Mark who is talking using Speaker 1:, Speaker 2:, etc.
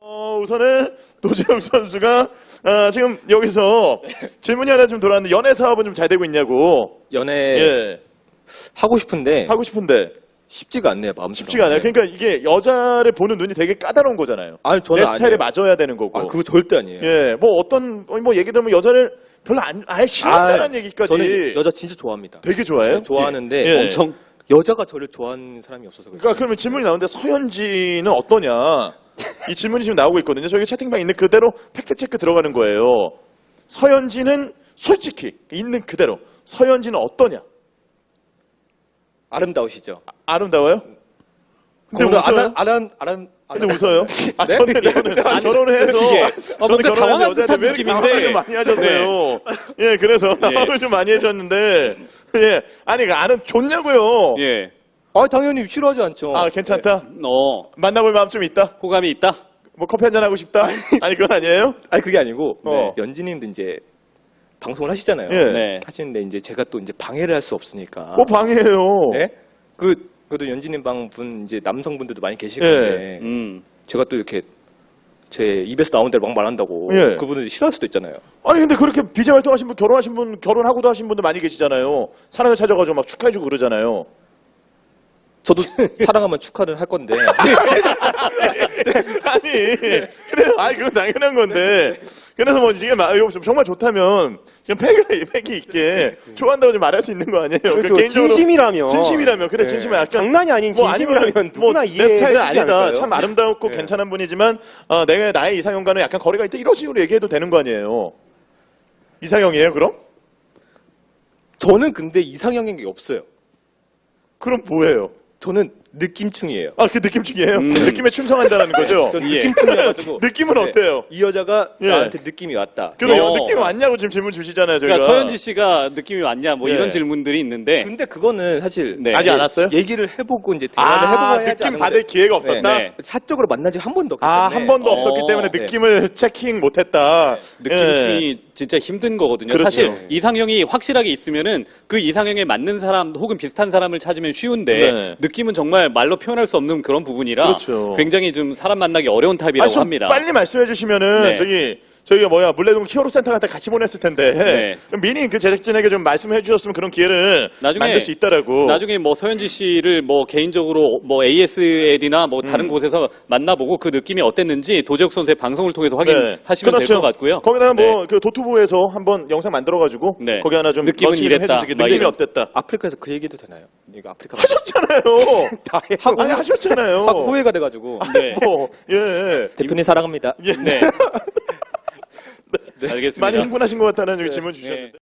Speaker 1: 우선은 도재욱 선수가 지금 여기서 질문이 하나 좀 돌아왔는데 연애 사업은 좀 잘 되고 있냐고.
Speaker 2: 연애
Speaker 1: 예.
Speaker 2: 하고 싶은데
Speaker 1: 하고 싶은데
Speaker 2: 쉽지가 않네요. 마음처럼.
Speaker 1: 쉽지가 않아요.
Speaker 2: 네.
Speaker 1: 그러니까 이게 여자를 보는 눈이 되게 까다로운 거잖아요.
Speaker 2: 아니, 저는
Speaker 1: 내 스타일에
Speaker 2: 아니에요.
Speaker 1: 맞아야 되는 거고.
Speaker 2: 아, 그거 절대 아니에요.
Speaker 1: 예, 뭐 어떤 뭐 얘기 들으면 여자를 별로 아예 싫어한다는 얘기까지.
Speaker 2: 저는 여자 진짜 좋아합니다.
Speaker 1: 되게 좋아해요.
Speaker 2: 좋아하는데
Speaker 1: 예.
Speaker 2: 엄청 여자가 저를 좋아하는 사람이 없어서 그래요.
Speaker 1: 그러니까 그러면 질문이 나오는데 서현진은 어떠냐? 이 질문이 지금 나오고 있거든요. 저기 채팅방 있는 그대로 팩트 체크 들어가는 거예요. 서현진은 솔직히 있는 그대로 서현진은 어떠냐?
Speaker 2: 아름다우시죠?
Speaker 1: 아름다워요? 근데
Speaker 2: 그거는
Speaker 1: 웃어요? 근데 웃어요? 아,
Speaker 2: 네?
Speaker 1: 저는 결혼을 해서 저는
Speaker 3: 뭔가 당황한
Speaker 1: 여자한테
Speaker 3: 듯한
Speaker 1: 왜 이렇게
Speaker 3: 느낌인데.
Speaker 1: 당황을 좀 많이 하셨어요. 예, 그래서 당황을 좀 많이 하셨는데 예, 아니 아름 좋냐고요?
Speaker 3: 예.
Speaker 2: 아, 당연히 싫어하지 않죠.
Speaker 1: 아, 괜찮다. 만나볼 마음 좀 있다.
Speaker 3: 호감이 있다.
Speaker 1: 뭐 커피 한잔 하고 싶다. 아니 그건 아니에요?
Speaker 2: 아니 그게 아니고
Speaker 1: 네.
Speaker 2: 연진님도 이제 방송을 하시잖아요.
Speaker 1: 예.
Speaker 3: 네.
Speaker 2: 하시는데 이제 제가 또 이제 방해를 할 수 없으니까.
Speaker 1: 뭐 방해해요.
Speaker 2: 네? 그래도 연진님 방분 이제 남성분들도 많이 계실
Speaker 1: 예.
Speaker 2: 건데
Speaker 3: 음.
Speaker 2: 제가 또 이렇게 제 입에서 나온 대로 막 말한다고
Speaker 1: 예.
Speaker 2: 그분들이 싫어할 수도 있잖아요.
Speaker 1: 아니 근데 그렇게 비제 활동하신 분, 결혼하신 분, 결혼하고도 하신 분들 많이 계시잖아요. 사랑을 찾아가지고 막 축하해주고 그러잖아요.
Speaker 2: 저도 사랑하면 축하를 할 건데.
Speaker 1: 아니, 그래, 아니, 그건 당연한 건데. 그래서 뭐, 지금, 정말 좋다면, 지금 패기 있게, 좋아한다고 좀 말할 수 있는 거 아니에요?
Speaker 4: 그렇죠.
Speaker 1: 개인적으로
Speaker 4: 진심이라면.
Speaker 1: 진심이라면, 그래, 진심이면 약간.
Speaker 4: 장난이 아닌
Speaker 1: 뭐
Speaker 4: 진심이라면
Speaker 1: 아니면
Speaker 4: 누구나
Speaker 1: 내
Speaker 4: 이해해
Speaker 1: 스타일은
Speaker 4: 주지
Speaker 1: 아니다.
Speaker 4: 않을까요?
Speaker 1: 참 아름답고
Speaker 4: 네.
Speaker 1: 괜찮은 분이지만, 나의 이상형과는 약간 거리가 있다. 이런 식으로 얘기해도 되는 거 아니에요? 이상형이에요, 그럼?
Speaker 2: 저는 근데 이상형인 게 없어요.
Speaker 1: 그럼 뭐예요?
Speaker 2: 저는 느낌충이에요.
Speaker 1: 아, 그 느낌충이에요? 느낌에 충성한다는 거죠?
Speaker 2: 전
Speaker 3: 예.
Speaker 2: 느낌충이어가지고.
Speaker 1: 느낌은
Speaker 2: 네.
Speaker 1: 어때요?
Speaker 2: 이 여자가
Speaker 1: 예.
Speaker 2: 나한테 느낌이 왔다.
Speaker 1: 그럼
Speaker 3: 어.
Speaker 1: 느낌 왔냐고 지금 질문 주시잖아요, 저희가.
Speaker 3: 그러니까 서현지 씨가 느낌이 왔냐 뭐
Speaker 1: 예.
Speaker 3: 이런 질문들이 있는데
Speaker 2: 근데 그거는 사실
Speaker 3: 네.
Speaker 1: 아직 안 왔어요?
Speaker 2: 얘기를 해보고 이제 대화를 해보고 해야지
Speaker 1: 느낌
Speaker 2: 아는
Speaker 1: 받을
Speaker 2: 건데.
Speaker 1: 기회가 없었다?
Speaker 3: 네.
Speaker 2: 사적으로 만난 지 한 번도 없기
Speaker 1: 아,
Speaker 2: 때문에.
Speaker 1: 한 번도 없었기 때문에
Speaker 2: 네.
Speaker 1: 느낌을 체킹 못했다.
Speaker 3: 느낌충이 진짜 힘든 거거든요.
Speaker 1: 그렇죠.
Speaker 3: 사실 이상형이 확실하게 있으면은 그 이상형에 맞는 사람 혹은 비슷한 사람을 찾으면 쉬운데
Speaker 1: 네.
Speaker 3: 느낌은 정말 말로 표현할 수 없는 그런 부분이라
Speaker 1: 그렇죠.
Speaker 3: 굉장히 좀 사람 만나기 어려운 타입이라고
Speaker 1: 좀
Speaker 3: 합니다.
Speaker 1: 빨리 말씀해 주시면은
Speaker 3: 네.
Speaker 1: 저희가 물레동 히어로 센터 한테 같이 보냈을 텐데
Speaker 3: 네.
Speaker 1: 그럼 미리 그 제작진에게 좀 말씀해 주셨으면 그런 기회를 만들 수 있다라고.
Speaker 3: 나중에 뭐 서현지 씨를 뭐 개인적으로 뭐 ASL이나 뭐 다른 곳에서 만나보고 그 느낌이 어땠는지 도재욱 선수의 방송을 통해서 확인하시면 될 것 같고요.
Speaker 1: 거기다가 뭐
Speaker 3: 네.
Speaker 1: 그 도투부에서 한번 영상 만들어가지고
Speaker 3: 네.
Speaker 1: 거기 하나 좀
Speaker 3: 느낌은
Speaker 1: 런칭 좀
Speaker 3: 이랬다.
Speaker 1: 해주시기.
Speaker 3: 막
Speaker 1: 느낌이
Speaker 3: 이런.
Speaker 1: 어땠다?
Speaker 2: 아프리카에서 그 얘기도 되나요? 이거 아프리카
Speaker 1: 하셨잖아요.
Speaker 2: 하고
Speaker 1: 아니 하셨잖아요.
Speaker 2: 하고 후회가 돼가지고
Speaker 3: 네.
Speaker 1: 뭐, 예.
Speaker 2: 대표님 사랑합니다.
Speaker 3: 네. 알겠습니다.
Speaker 1: 많이 흥분하신 것 같다는 질문 주셨는데.